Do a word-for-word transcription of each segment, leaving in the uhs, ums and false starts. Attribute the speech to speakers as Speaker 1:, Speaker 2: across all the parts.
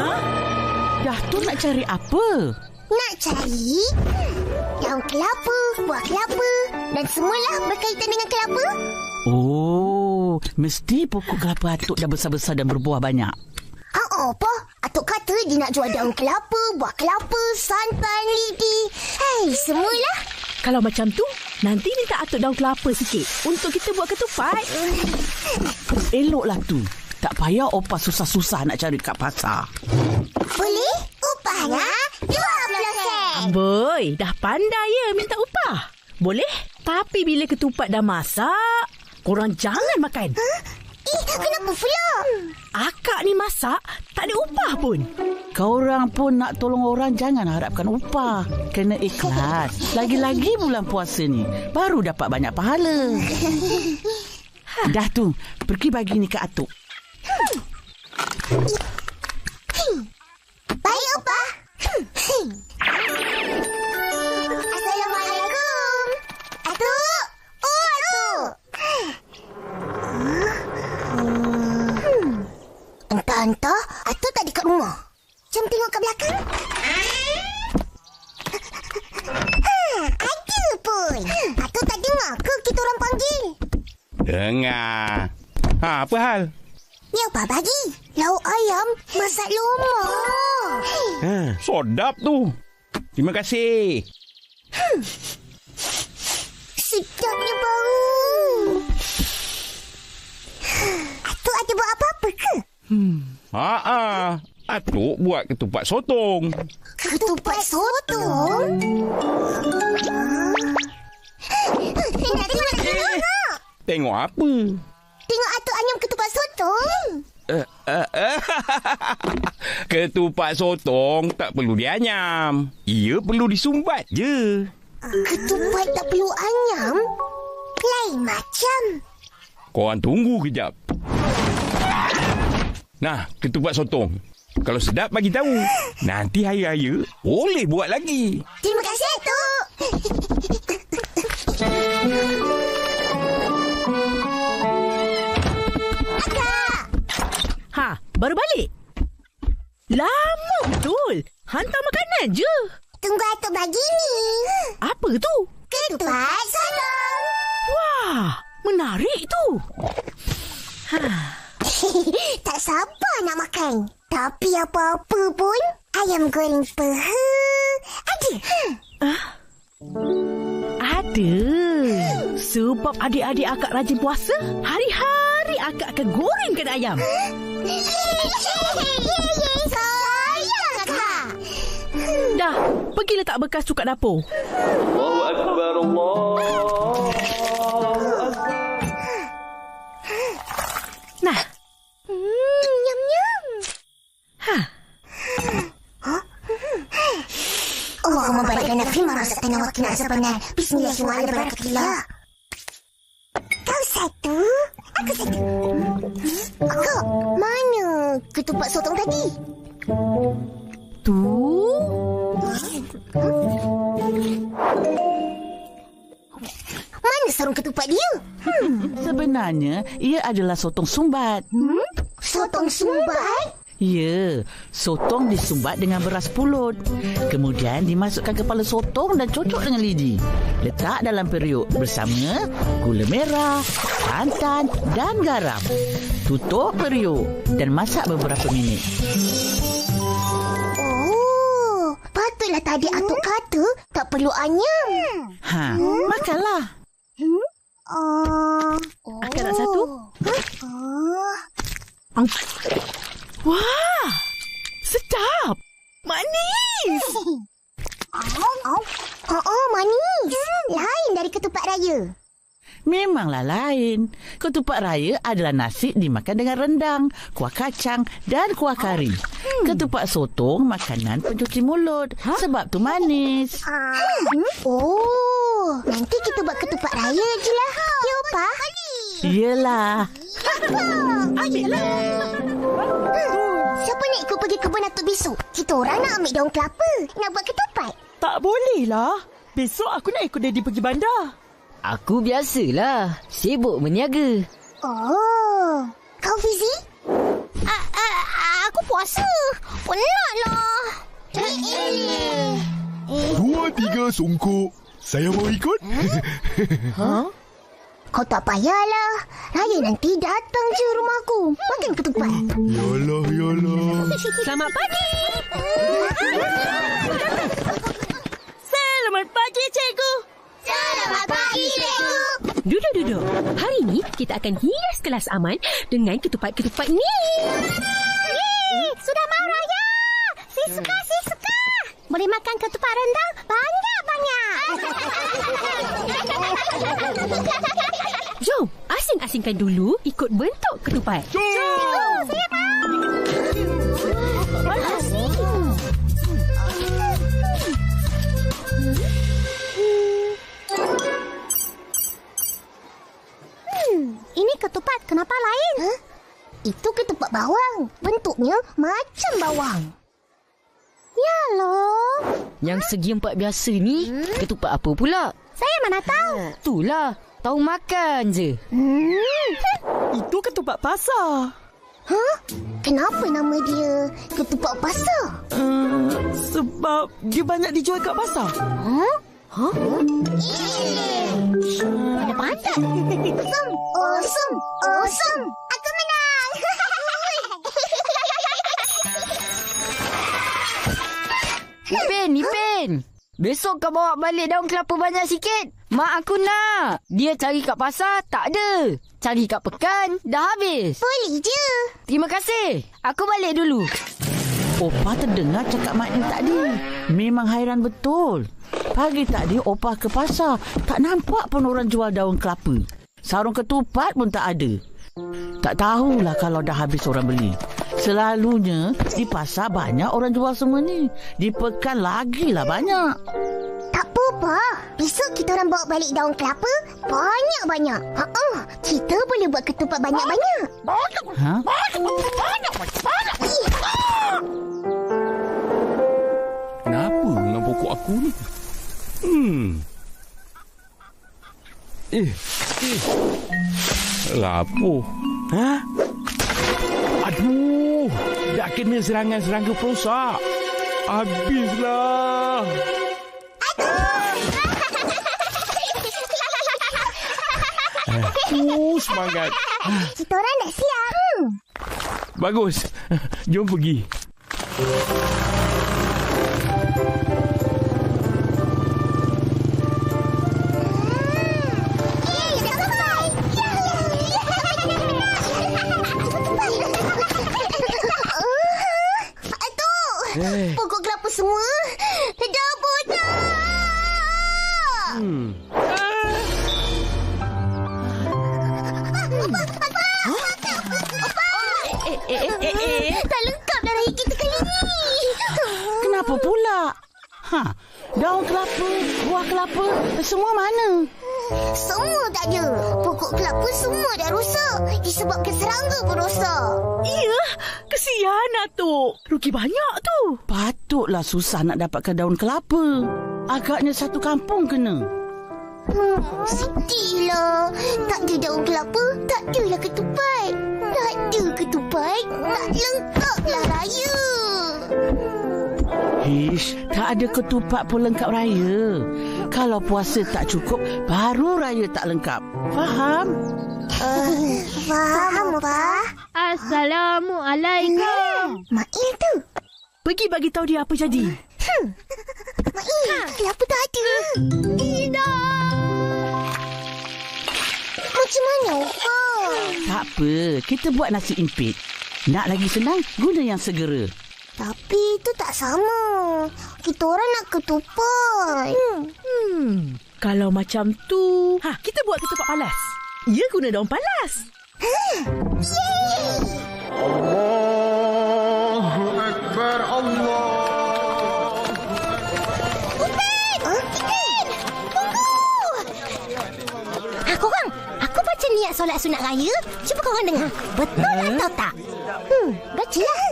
Speaker 1: Datuk nak cari apa?
Speaker 2: Nak cari daun kelapa, buah kelapa dan semualah berkaitan dengan kelapa.
Speaker 1: Oh, mesti pokok kelapa atuk dah besar-besar dan berbuah banyak.
Speaker 2: Ah, apa? Atuk kata dia nak jual daun kelapa, buah kelapa, santan, lidi. Hei, semualah.
Speaker 3: Kalau macam tu, nanti minta atuk daun kelapa sikit untuk kita buat ketupat.
Speaker 1: Eloklah tu. Tak payah opah susah-susah nak cari kat pasar.
Speaker 2: Boleh? Upahnya dua puluh sen.
Speaker 3: Boy, dah pandai ya minta upah. Boleh? Tapi bila ketupat dah masak, korang jangan makan.
Speaker 2: Huh? Eh, kenapa pula?
Speaker 3: Akak ni masak, tak ada upah pun.
Speaker 1: Korang pun nak tolong orang, jangan harapkan upah. Kena ikhlas. Lagi-lagi bulan puasa ni, baru dapat banyak pahala. Dah tu, pergi bagi ni ke atuk.
Speaker 2: Baik, Opah. Assalamualaikum. Atuk. Oh, atuk. Hmm. Entah-entah, atuk tak dekat rumah. Jom tengok ke belakang. Ha, ada pun. Atuk tak dengar ke kita orang panggil?
Speaker 4: Dengar. Ha, apa hal?
Speaker 2: Ni apa bagi? Lauk ayam masak lomak.
Speaker 4: Ha, sedap tu. Terima kasih.
Speaker 2: Hmm. Sedapnya bau. Atuk ada buat apa-apa ke?
Speaker 4: Hmm. Ha-ha. Atuk buat ketupat sotong.
Speaker 2: Ketupat sotong? Nak tengok, nak tengok.
Speaker 4: Tengok apa?
Speaker 2: Tengok atuk anyam ketupat sotong.
Speaker 4: Uh, uh, uh. Ketupat sotong tak perlu dianyam. Ia perlu disumbat je.
Speaker 2: Ketupat tak perlu anyam? Lain macam.
Speaker 4: Korang tunggu kejap. Nah, ketupat sotong. Kalau sedap bagi tahu. Nanti hari raya boleh buat lagi.
Speaker 2: Terima kasih, atuk.
Speaker 3: Ha, baru balik? Lama betul. Hantar makanan je.
Speaker 2: Tunggu atuk bagi ni.
Speaker 3: Apa tu?
Speaker 2: Ketupat sotong.
Speaker 3: Wah, menarik tu. Ha.
Speaker 2: Tak sabar nak makan. Tapi apa-apa pun, ayam goreng peha ada.
Speaker 3: Ah? Ada. Sebab adik-adik akak rajin puasa, hari-hari akak akan gorengkan ayam.
Speaker 2: Sayang akak.
Speaker 3: Dah, pergi letak bekas tu kat dapur.
Speaker 5: Allahu Akbar, Allahu Akbar.
Speaker 3: Nah.
Speaker 2: Hmm, nyam-nyam.
Speaker 3: Ha.
Speaker 2: Allahumma barik lana fima razaqtana wa qina azabannar. Bismillahirrahmanirrahim. Kau satu, aku satu. Kak, mana ketupat sotong tadi?
Speaker 3: Tu.
Speaker 2: Mana sarung ketupat dia?
Speaker 1: Hmm, sebenarnya ia adalah sotong sumbat.
Speaker 2: Hmm? Sotong sumbat?
Speaker 1: Ya, sotong disumbat dengan beras pulut. Kemudian dimasukkan kepala sotong dan cocok dengan lidi. Letak dalam periuk bersama gula merah, santan dan garam. Tutup periuk dan masak beberapa minit.
Speaker 2: Oh, patutlah tadi atuk kata tak perlu anyam.
Speaker 1: Ha, hmm? makanlah.
Speaker 2: Hmm? Uh, oh.
Speaker 3: Akak nak satu?
Speaker 2: Oh.
Speaker 3: Wah, sedap. Manis.
Speaker 2: Oh, oh. Oh, oh, manis. Lain dari ketupat raya.
Speaker 1: Memanglah lain. Ketupat raya adalah nasi dimakan dengan rendang, kuah kacang dan kuah kari. Hmm. Ketupat sotong makanan pencuci mulut. Ha? Sebab tu manis.
Speaker 2: Hmm? Oh, nanti kita buat ketupat raya je lah. Ya, Opah?
Speaker 1: Yelah.
Speaker 3: Ambillah.
Speaker 2: Siapa nak ikut pergi kebun atuk besok? Kita orang nak ambil daun kelapa. Nak buat ketupat.
Speaker 6: Tak boleh lah. Besok aku nak ikut Daddy pergi bandar.
Speaker 7: Aku biasalah. Sibuk berniaga.
Speaker 2: Oh. Kau Fizi?
Speaker 8: A- a- aku
Speaker 2: puasa. Penatlah. Eh,
Speaker 8: Dua, tiga songkok. Saya mau ikut.
Speaker 2: Ha? Kau tak payahlah. Raya nanti datang je rumahku. Makan ketupat.
Speaker 8: Yalah, yalah.
Speaker 3: Selamat pagi. Selamat pagi, cikgu.
Speaker 2: Selamat pagi, cikgu.
Speaker 9: Duduk, duduk. Hari ni kita akan hias kelas aman dengan ketupat-ketupat ni.
Speaker 2: Yeay, sudah mau raya. Si suka, si suka. Boleh makan ketupat rendang banyak-banyak.
Speaker 9: Jom, asing-asingkan dulu ikut bentuk ketupat.
Speaker 2: Jom. Saya mau. Asing. Hmm, ini ketupat kenapa lain? Huh? Itu ketupat bawang. Bentuknya macam bawang. Ya loh.
Speaker 7: Yang segi empat biasa ni, hmm? ketupat apa pula?
Speaker 2: Saya mana tahu.
Speaker 7: Itulah, tahu makan je.
Speaker 2: Hmm.
Speaker 6: Itu ketupat pasar.
Speaker 2: Hah? Kenapa nama dia ketupat pasar?
Speaker 6: Uh, sebab dia banyak dijual kat pasar.
Speaker 2: Huh? Huh? Mana pandai? Awesome, awesome, awesome. Aku menang.
Speaker 7: Ipin, Ipin. Besok kau bawa balik daun kelapa banyak sikit. Mak aku nak. Dia cari kat pasar, tak ada. Cari kat pekan, dah habis.
Speaker 2: Boleh je.
Speaker 7: Terima kasih. Aku balik dulu.
Speaker 1: Opah terdengar cakap maknya tadi. Memang hairan betul. Pagi tadi Opah ke pasar. Tak nampak pun orang jual daun kelapa. Sarung ketupat pun tak ada. Tak tahulah kalau dah habis orang beli. Selalunya di pasar banyak orang jual semua ni. Di pekan lagilah banyak.
Speaker 2: Tak apa, Pak. Besok kita orang bawa balik daun kelapa banyak-banyak. Ha-ha. Kita boleh buat ketupat banyak-banyak.
Speaker 1: Ha?
Speaker 4: Kenapa dengan pokok aku ni? Hmm. Eh. Eh. Lapuh. Ha? Aduh. Dah kena serangan-serangga perosak. Habislah. Uh, semangat.
Speaker 2: Kita orang dah siap. Hmm.
Speaker 4: Bagus. Jom pergi.
Speaker 2: Eh. Pokok kelapa semua dah botak.
Speaker 4: Hmm.
Speaker 3: Eh, eh, eh, eh, eh.
Speaker 2: Tak lengkap dah raya kita kali ni.
Speaker 1: Kenapa pula? Ha, daun kelapa, buah kelapa, semua mana?
Speaker 2: Semua tak ada. Pokok kelapa semua dah rosak. Disebabkan serangga pun rosak.
Speaker 3: Iya, kesian Atuk. Rugi banyak tu.
Speaker 1: Patutlah susah nak dapatkan daun kelapa. Agaknya satu kampung kena.
Speaker 2: Hmm, sedihlah. Tak ada daun kelapa, tak adalah ketupat. Tak ada ketupat, tak lengkaplah raya.
Speaker 1: Hish, tak ada ketupat pun lengkap raya. Kalau puasa tak cukup, baru raya tak lengkap. Faham?
Speaker 2: Uh, faham, Pak.
Speaker 9: Assalamualaikum.
Speaker 2: Mail tu.
Speaker 3: Pergi bagi tahu dia apa jadi.
Speaker 2: Hmm. Mail, kelapa tak ada. Tidak. Macam mana, Pak?
Speaker 1: Tak apa, kita buat nasi impit. Nak lagi senang, guna yang segera.
Speaker 2: Tapi itu tak sama. Kita orang nak ketupat.
Speaker 3: Hmm. hmm. Kalau macam tu, ha, kita buat ketupat palas. Ya, guna daun palas.
Speaker 2: Yeay!
Speaker 8: Allahu Akbar, Allah.
Speaker 2: Upin! Huh? Upin! Tunggu! Ha, korang. Aku baca niat solat sunat raya. Cuba korang dengar. Betul atau tak? Hmm, bacalah.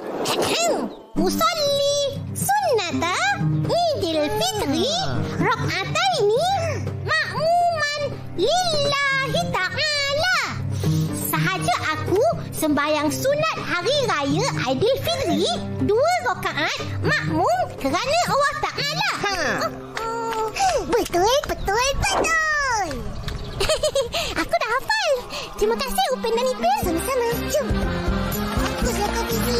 Speaker 2: Usalli sunnata Idul Fitri rak'ataini ma'muman lillahi ta'ala. Sahaja aku sembahyang sunat hari raya Aidilfitri dua rakaat makmum kerana Allah Ta'ala. Ha. Oh, betul, betul, betul. Aku dah hafal. Terima kasih Upin dan Ipin. Sama-sama. Jom. Baguslah kau, Fizi.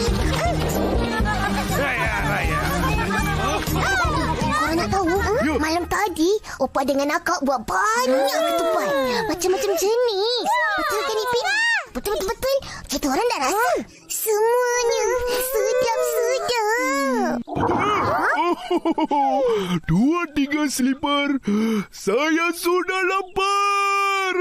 Speaker 4: Raya, raya.
Speaker 2: Korang nak tahu? Ha? Malam tadi, Opa dengan akak buat banyak ketupat. Macam-macam jenis. Betul kan, Ipin? Betul-betul. Kita orang dah rasa. Semuanya sedap-sedap.
Speaker 8: Dua tiga slipper. Saya sudah lapar.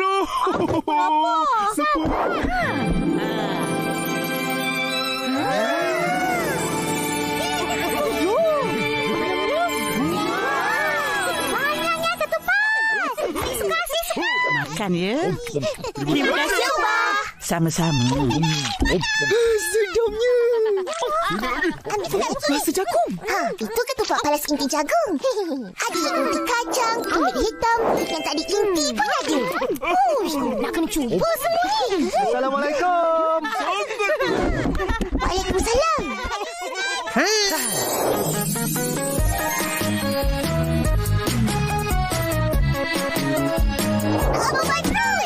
Speaker 2: Banyaknya ketupat. Suka sih.
Speaker 1: Makan ya.
Speaker 2: Terima kasih, Opa.
Speaker 1: Sama-sama.
Speaker 6: Sedapnya. Rasa jagung.
Speaker 2: Ha, itu ketupat palas inti jagung. Ada yang inti kacang, kulit hitam, yang tak ada inti pun ada. Uish, nak kena cuba semua ni.
Speaker 6: Assalamualaikum.
Speaker 2: Waalaikumsalam. Abang Badrul.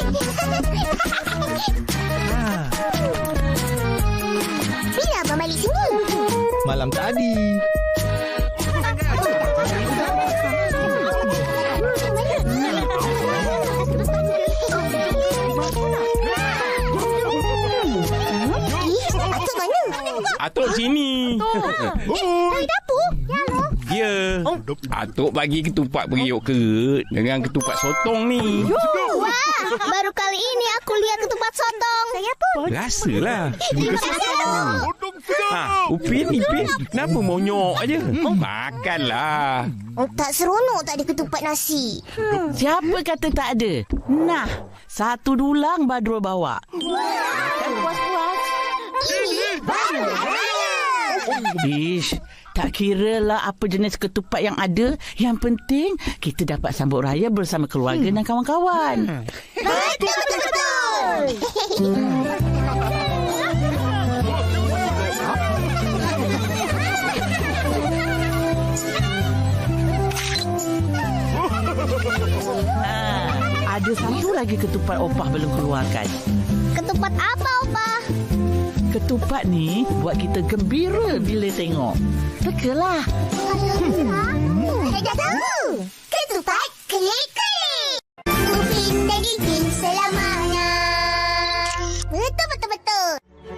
Speaker 2: Bila abang balik sini?
Speaker 6: Malam tadi.
Speaker 2: Atuk mana?
Speaker 4: Atuk sini.
Speaker 2: Dari dapur?
Speaker 4: Ya. Atuk bagi ketupat periuk kerut dengan ketupat sotong ni.
Speaker 2: Wah, baru kali ini aku lihat ketupat sotong. Saya pun.
Speaker 4: Rasalah.
Speaker 2: Terima kasih.
Speaker 4: Ha, Upin, Ipin, kenapa monyok aja? Makanlah.
Speaker 2: Tak seronok tak ada ketupat nasi.
Speaker 1: Hmm. Siapa kata tak ada? Nah, satu dulang Badrul bawa.
Speaker 2: Kan puas-puas. Ini baru raya.
Speaker 1: Ish, tak kira lah apa jenis ketupat yang ada. Yang penting kita dapat sambut raya bersama keluarga hmm. dan kawan-kawan.
Speaker 2: Betul, betul, betul.
Speaker 1: Ha, ada satu lagi ketupat Opah belum keluarkan.
Speaker 2: Ketupat apa, Opa?
Speaker 1: Ketupat ni buat kita gembira bila tengok. Rekalah.
Speaker 2: Hmm. Saya dah tahu. Ketupat kelik-kelik. Upin dan Ipin selamanya. Betul, betul, betul.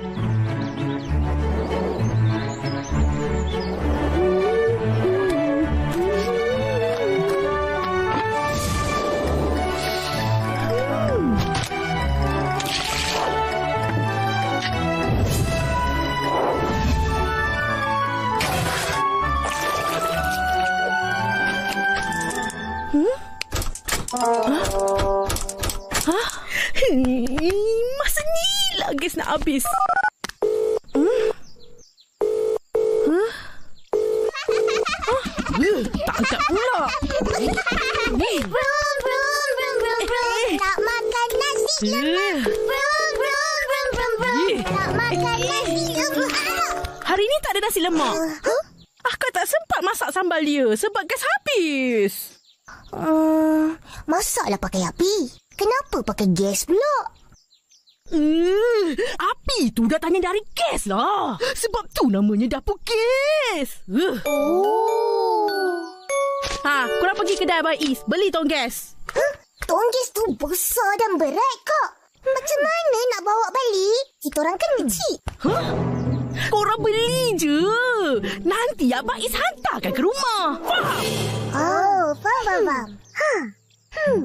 Speaker 3: Hah? Hmm, masa ni lah gas nak habis. Hmm? Huh? Huh? Uh, tak angkat pula.
Speaker 2: Brum, brum, brum, brum, brum. Nak makan nasi lemak. Brum, brum, brum, brum, brum. Nak makan nasi lemak.
Speaker 3: Hari ni tak ada nasi lemak.
Speaker 2: Huh?
Speaker 3: Akak tak sempat masak sambal dia sebab gas habis.
Speaker 2: Hmm, masaklah pakai api. Kenapa pakai gas pula?
Speaker 3: Uh, api tu datangnya dari gas lah. Sebab tu namanya dapur gas. Uh.
Speaker 2: Oh.
Speaker 3: Ha, korang pergi kedai Abang Is. Beli tong gas.
Speaker 2: Huh? Tong gas tu besar dan berat, Kak. Macam mana nak bawa balik? Kita orang kan kecil.
Speaker 3: Huh? Korang beli je. Nanti Abang Is hantarkan ke rumah. Faham?
Speaker 2: Oh, faham, faham, faham. Ha. Hmm.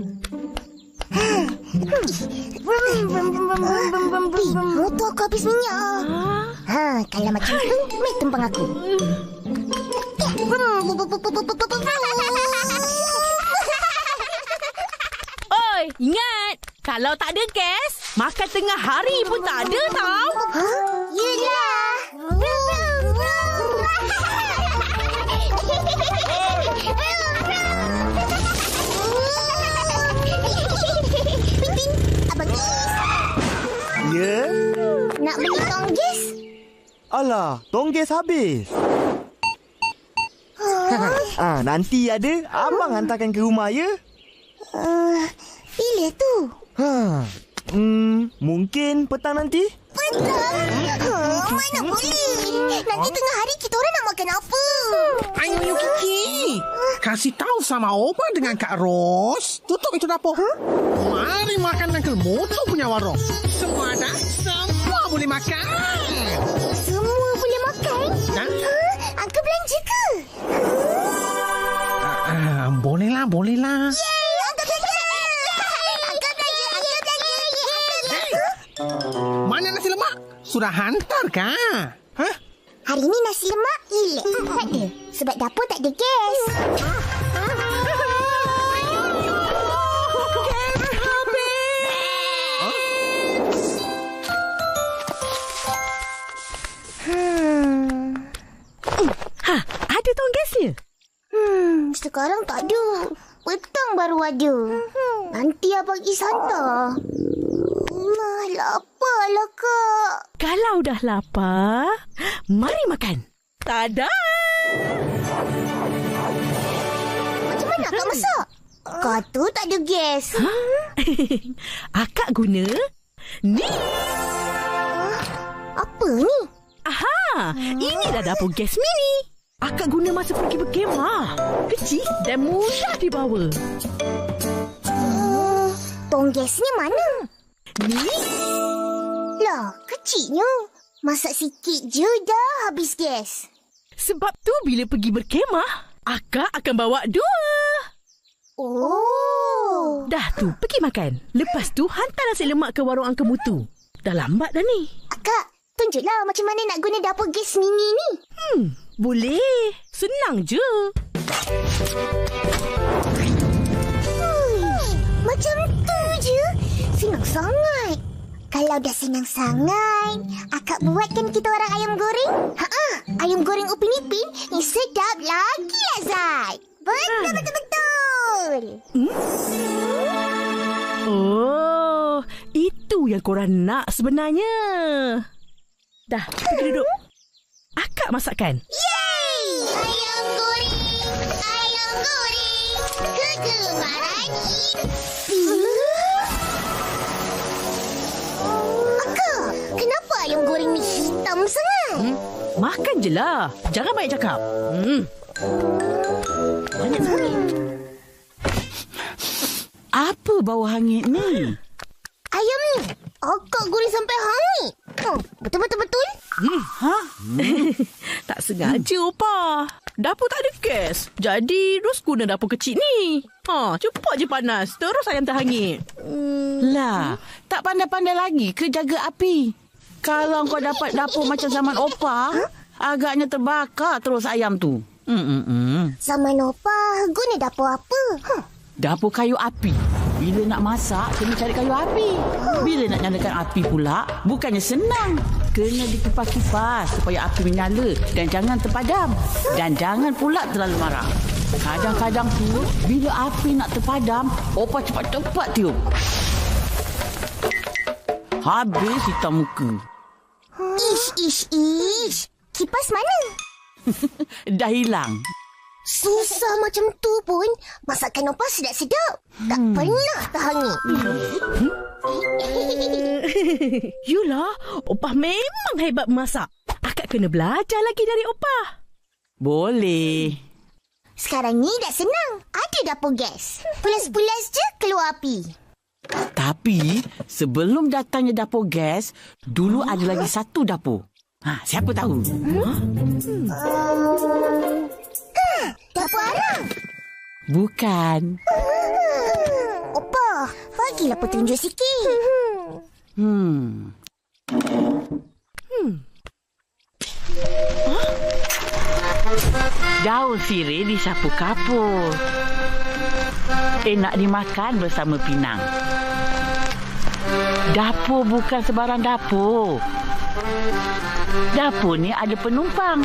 Speaker 2: Motor aku habis minyak. Ha, kalau macam tu, mai tumpang aku.
Speaker 3: Oi, ingat. Kalau tak ada gas, makan tengah hari pun tak ada tau.
Speaker 2: Ha? Yelah.
Speaker 6: Ya?
Speaker 2: Nak beli
Speaker 6: Alah, tongges habis. ah, nanti ada, abang hantarkan ke rumah, ya?
Speaker 2: Uh, bila tu?
Speaker 6: Ha, hmm, mungkin petang nanti.
Speaker 2: Petang? Hmm, mana boleh? Nanti tengah hari kita orang nak makan apa?
Speaker 10: Ayo Kiki, kasih tahu sama Opa dengan Kak Ros. Tutup itu dapur. Huh? Mari makan Uncle Moto punya warung. Semua ada, semua boleh makan.
Speaker 2: Semua boleh makan?
Speaker 10: Ha?
Speaker 2: Huh? Uncle belanja ke?
Speaker 10: Uh, bolehlah, bolehlah.
Speaker 2: Yeay, Uncle belanja. Uncle belanja, Uncle belanja.
Speaker 10: Hey, mana nasi lemak? Sudah hantar kah? Hah?
Speaker 2: Hari ni nasi lemak hilang. Tak ada. Sebab dapur tak ada gas.
Speaker 3: Hmm. Ha, ada tong gasnya?
Speaker 2: Hmm, sekarang tak ada. Petang baru ada. Nanti abang Is hantar. Nah, laparlah, Kak.
Speaker 3: Kalau dah lapar, mari makan. Tada!
Speaker 2: Macam mana Kak masak? Kata tak ada gas.
Speaker 3: Ha? Akak guna ni.
Speaker 2: Apa ni?
Speaker 3: Aha, inilah dapur gas mini. Akak guna masa pergi berkemah. Kecil dan mudah dibawa.
Speaker 2: Uh, tong gasnya mana?
Speaker 3: Ni?
Speaker 2: Lah, kecilnya. Masak sikit je dah habis gas.
Speaker 3: Sebab tu bila pergi berkemah, akak akan bawa dua.
Speaker 2: Oh.
Speaker 3: Dah tu, pergi makan. Lepas tu, hantar nasi lemak ke warung Uncle Mutu. Dah lambat dah ni.
Speaker 2: Akak, tunjuklah macam mana nak guna dapur gas mini ni.
Speaker 3: Hmm, boleh. Senang je.
Speaker 2: Uish, macam tu je. Senang sangat. Kalau dah senang sangat, akak buatkan kita orang ayam goreng. Ha-ha, ayam goreng Upin Ipin yang sedap lagi lazat. Betul, betul, betul.
Speaker 3: Hmm? Oh, itu yang korang nak sebenarnya. Dah, pergi duduk. Akak masakkan.
Speaker 2: Yeay! Ayam goreng, ayam goreng, kegemaran Ipin. Akak, kenapa ayam goreng ni hitam sangat?
Speaker 3: Hmm? Makan je lah. Jangan banyak cakap. Hmm. Banyak sekali.
Speaker 1: Apa bau hangit ni?
Speaker 2: Ayam ni, akak goreng sampai hangit. Oh, betul-betul-betul?
Speaker 3: Hmm. Ha? Hmm. Tak sengaja, hmm. Opa. Dapur tak ada gas. Jadi, Ros guna dapur kecil ni. Ha, cepat je panas. Terus ayam terhangit.
Speaker 1: Hmm. Lah, tak pandai-pandai lagi ke jaga api? Kalau kau dapat dapur macam zaman Opa, huh? agaknya terbakar terus ayam tu. Hmm-hmm.
Speaker 2: Zaman Opa, guna dapur apa? Huh.
Speaker 1: Dapur kayu api. Bila nak masak, kena cari kayu api. Bila nak nyalakan api pula, bukannya senang. Kena dikipas-kipas supaya api menyala dan jangan terpadam. Dan jangan pula terlalu marah. Kadang-kadang tu, bila api nak terpadam, Opa cepat-cepat tiup. Habis hitam muka.
Speaker 2: Ish, ish, ish. Kipas mana?
Speaker 1: Dah hilang.
Speaker 2: Susah macam tu pun, masakan Opa sedap-sedap. Tak hmm. pernah terhangit.
Speaker 3: Hmm? Yulah, Opa memang hebat memasak. Akak kena belajar lagi dari Opa.
Speaker 1: Boleh.
Speaker 2: Sekarang ni dah senang. Ada dapur gas. Pulas-pulas je keluar api.
Speaker 1: Tapi, sebelum datangnya dapur gas, dulu ada lagi satu dapur. Ha, siapa tahu? Hmm?
Speaker 2: Hmm. Um, ha, dapur arang.
Speaker 1: Bukan.
Speaker 2: Hmm. Opa, bagilah petunjuk sikit.
Speaker 1: Hmm.
Speaker 3: Hmm.
Speaker 1: Huh? Daun sirih disapu kapur. Enak dimakan bersama pinang. Dapur bukan sebarang dapur. Dapur ni ada penumpang.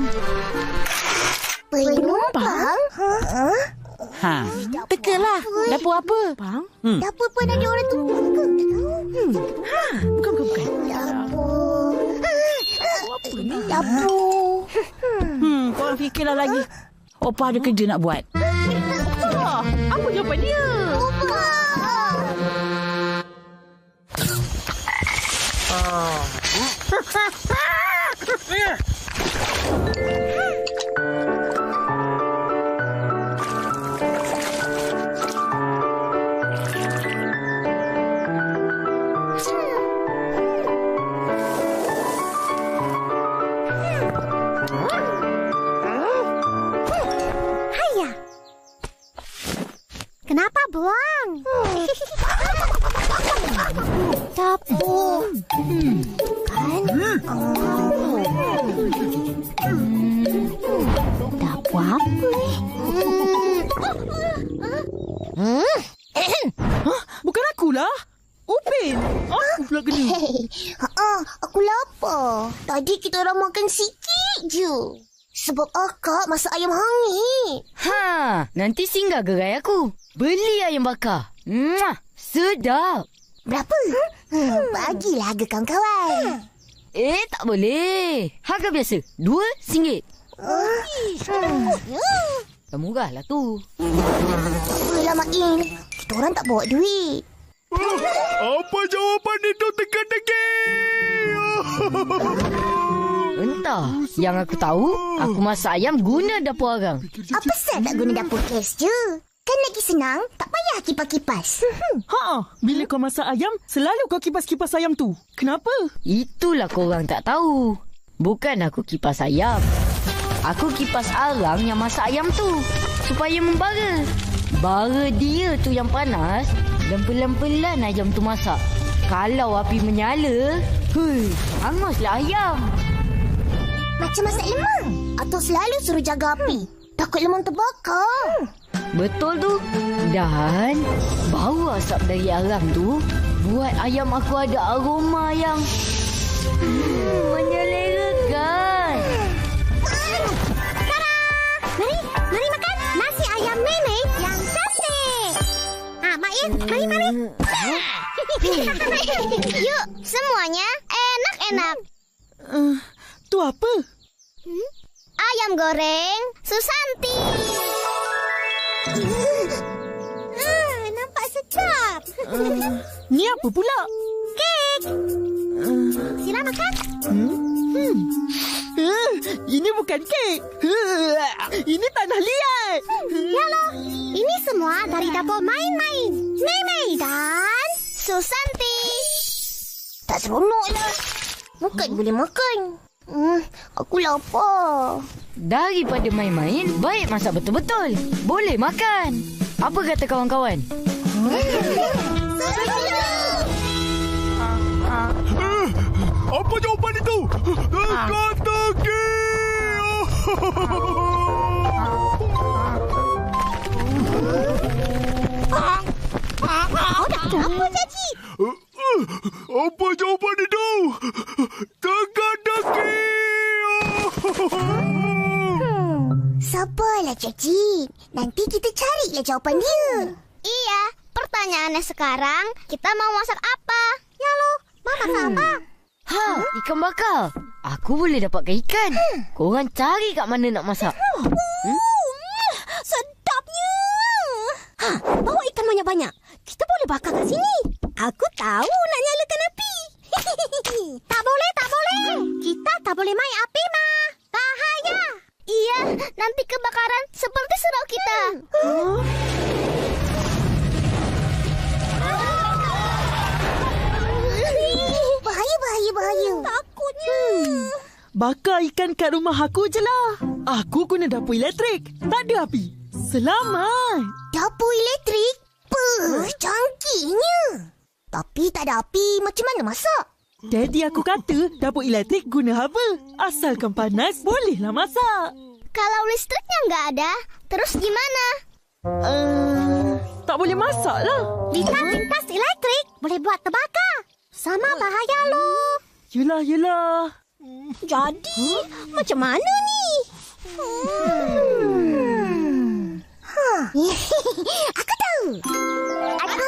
Speaker 2: Penumpang? Ha?
Speaker 1: Ha, tekalah. Dapur apa?
Speaker 3: Bang?
Speaker 2: Hmm. Dapur pun ada orang tumpang ke?
Speaker 3: Hmm. Ha, bukan bukan bukan.
Speaker 2: Dapur.
Speaker 3: Apa ni?
Speaker 2: Dapur dapur.
Speaker 1: Hmm, korang fikirlah lagi. Opa ada kerja nak buat.
Speaker 3: Ah, apa jawapan dia?
Speaker 2: Haya. Kenapa buang? Dapur. Kan? Oh. Dapur apa ni?
Speaker 6: Hah? Bukan akulah. Upin. Aku pula kena.
Speaker 2: Hei, ha, aku lapar. Tadi kita orang makan sikit je. Sebab akak masak ayam hangit.
Speaker 7: Ha, nanti singgah gerai aku. Beli ayam bakar. Muah, sedap.
Speaker 2: Berapa? Hmm, bagilah harga kawan-kawan.
Speaker 7: Eh, tak boleh. Harga biasa. Dua singgit.
Speaker 2: Hmm.
Speaker 7: Dah murah lah tu.
Speaker 2: Tak apalah, Mak In. Kita orang tak bawa duit.
Speaker 8: Apa jawapan itu teka-teki?
Speaker 7: Entah. Yang aku tahu, aku masak ayam guna dapur arang.
Speaker 2: Apa sah tak guna dapur gas je? Kan lagi senang, tak payah kipas-kipas.
Speaker 6: Ha, bila kau masak ayam, selalu kau kipas-kipas ayam tu. Kenapa?
Speaker 7: Itulah korang tak tahu. Bukan aku kipas ayam. Aku kipas arang yang masak ayam tu. Supaya membara. Bara dia tu yang panas. Dan pelan-pelan ayam tu masak. Kalau api menyala, hui, hanguslah ayam.
Speaker 2: Macam masak lemang. Atau selalu suruh jaga api. Takut lemang terbakar.
Speaker 7: Betul tu. Dan bau asap dari arang tu buat ayam aku ada aroma yang hmm, menyelerakan.
Speaker 2: Tada! Mari, mari makan nasi ayam nenek yang cantik. Ah, Mak In, mari, mari. Yuk, semuanya enak-enak.
Speaker 6: Uh, tu apa?
Speaker 2: Hmm? Ayam goreng Susanti. Ah, nampak sedap.
Speaker 6: Uh, ni apa pula?
Speaker 2: Kek.
Speaker 6: Uh,
Speaker 2: Sila makan.
Speaker 6: Hmm? Hmm. Uh, ini bukan kek. Uh, ini tanah liat.
Speaker 2: Yalah, ini semua dari dapur main-main. Mei-Mei dan Susanti. Tak seronoklah. Bukan boleh makan. Hmm, aku lapar.
Speaker 7: Daripada main-main, baik masak betul-betul. Boleh makan. Apa kata kawan-kawan?
Speaker 8: Apa jawapan itu? Teka-teki!
Speaker 2: Oh, dah apa, Caci?
Speaker 8: Apa jawapan itu? Teka-teki!
Speaker 2: Sabarlah, Caci. Nanti kita carilah jawapan dia. Iya, pertanyaannya sekarang, kita mau masak apa? Ya lo, mau masak hmm. apa?
Speaker 7: Ha, ikan bakar. Aku boleh dapatkan ikan. Hmm. Korang cari kat mana nak masak.
Speaker 2: Hmm? Uh, sedapnya. Ha, bawa ikan banyak-banyak. Kita boleh bakar kat sini. Aku tahu nak nyalakan api. Tak boleh, tak boleh. Kita tak boleh main api, Ma. Bahaya. Iya, nanti kebakaran seperti surau kita. Hmm. Bahaya, bahaya, bahaya. Takutnya.
Speaker 6: Hmm. Bakar ikan kat rumah aku je lah. Aku guna dapur elektrik. Tak ada api. Selamat.
Speaker 2: Dapur elektrik? Puh, canggihnya. Tapi tak ada api, macam mana masak?
Speaker 6: Daddy aku kata dapur elektrik guna haba. Asalkan panas, bolehlah masak.
Speaker 2: Kalau listriknya nggak ada, terus gimana?
Speaker 6: Uh, tak boleh masak lah.
Speaker 2: Lintas-lintas elektrik boleh buat terbakar. Sama bahaya loh.
Speaker 6: Yelah, yelah.
Speaker 2: Jadi, huh? Macam mana ni? Hmm. Huh. Aku tahu. Aku.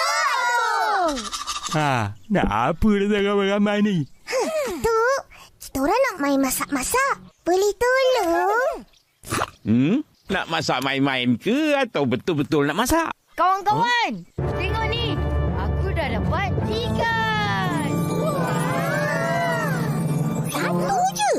Speaker 2: Oh,
Speaker 4: Ha, nak apa dah ramai-ramai ni?
Speaker 2: Huh, tu, kita kita orang nak main masak-masak. Boleh tolong?
Speaker 4: Hmm? Nak masak main-main ke atau betul-betul nak masak?
Speaker 7: Kawan-kawan, huh? Tengok ni. Aku dah dapat ikan.
Speaker 2: Satu je.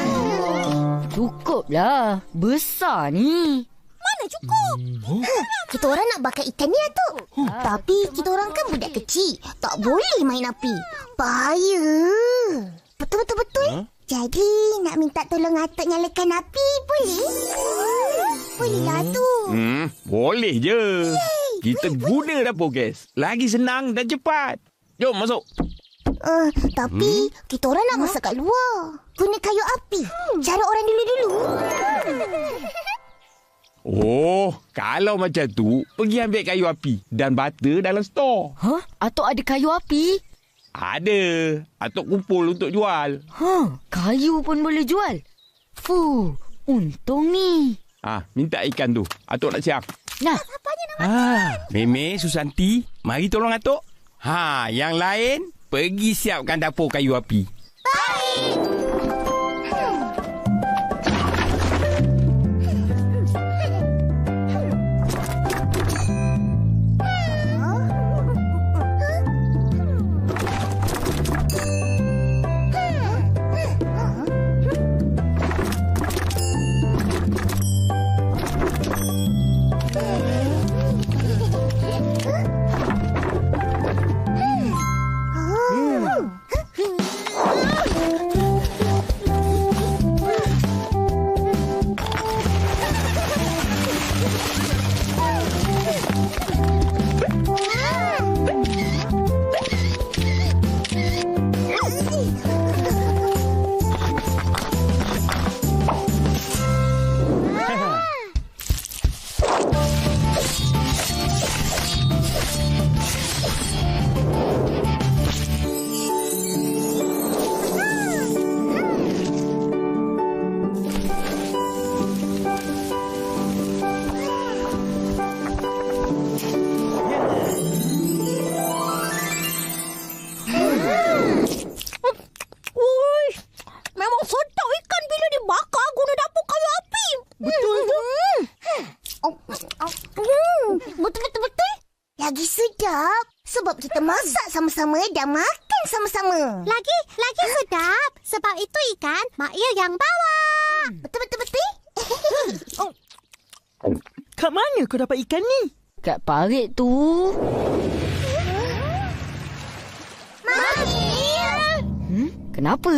Speaker 7: Cukuplah. Besar ni.
Speaker 2: Mana cukup? Hmm. Kita orang nak bakar ikan ni, Atuk. Hmm. Tapi kita orang kan budak kecil. Tak boleh main api. Bahaya. Betul-betul-betul. Huh? Jadi, nak minta tolong Atuk nyalakan api, boleh? Bolehlah tu.
Speaker 4: Hmm, boleh je. Yay. Kita guna dapur gas. Lagi senang dan cepat. Jom masuk.
Speaker 2: Uh, tapi, hmm? kita orang nak masak kat luar. Guna kayu api. Hmm. Cara orang dulu-dulu.
Speaker 4: Oh, kalau macam tu, pergi ambil kayu api dan bata dalam stor.
Speaker 7: Hah? Atuk ada kayu api?
Speaker 4: Ada. Atuk kumpul untuk jual.
Speaker 7: Huh, kayu pun boleh jual? Fuh, untung ni.
Speaker 4: Ah, minta ikan tu. Atuk nak siap.
Speaker 7: Nah.
Speaker 4: Ah, Meme, Susanti, mari tolong Atuk. Ha, yang lain, pergi siapkan dapur kayu api.
Speaker 2: Baik. Sama-sama dan makan sama-sama.
Speaker 11: Lagi, lagi sedap. Sebab itu ikan Mak Ia yang bawa.
Speaker 2: Betul-betul-betul.
Speaker 6: Oh. Kat mana kau dapat ikan ni?
Speaker 7: Kat parit tu.
Speaker 2: Mak Ia.
Speaker 7: Hmm? Kenapa?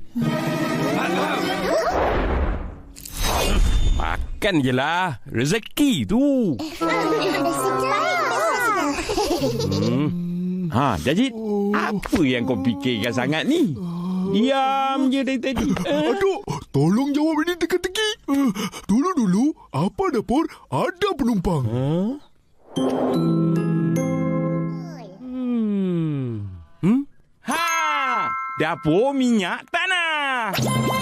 Speaker 4: Makan je lah. Rezeki tu. Hmm. Ha, Jajit, apa yang kau fikirkan sangat ni? Diam je dari tadi.
Speaker 8: Aduh, tolong jawab ini teka-teki. Uh, dulu-dulu, apa dapur ada penumpang?
Speaker 4: Huh? Hmm. Hmm? Ha! Dapur minyak tanah.